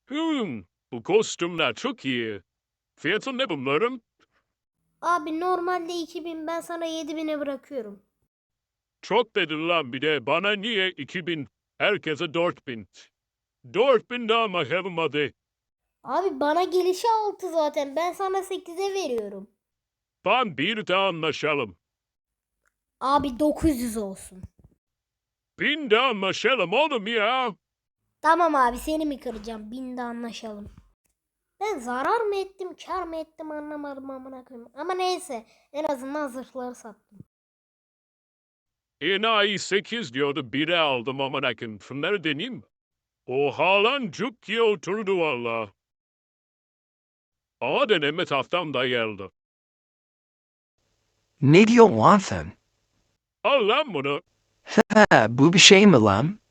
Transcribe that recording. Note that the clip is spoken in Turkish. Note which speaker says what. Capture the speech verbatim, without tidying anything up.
Speaker 1: Hımm, bu kostümler çok iyi. Fiyatı ne bunların?
Speaker 2: Abi normalde iki bin, ben sana yedi bine bırakıyorum.
Speaker 1: Çok dedin lan bir de. Bana niye iki bin? Herkese dört bin. dört bin daha bakalım hadi.
Speaker 2: Abi bana gelişi altı zaten. Ben sana sekize veriyorum.
Speaker 1: Tamam bir daha anlaşalım.
Speaker 2: Abi dokuz yüz olsun.
Speaker 1: bin daha anlaşalım oğlum ya.
Speaker 2: Tamam abi, seni mi kıracağım? Binde anlaşalım. Ben zarar mı ettim, kar mı ettim anlamadım amına koyayım. Ama neyse, en azından zırhları sattım.
Speaker 1: Enayi sekiz diyordu bire aldım amına koyayım. Şunları deneyeyim mi? Oha lan cuk diye oturdu valla. Ama deneme tahtam da geldi.
Speaker 3: Ne diyor lan sen?
Speaker 1: Al lan bunu.
Speaker 3: Ha, bu bir şey mi lan?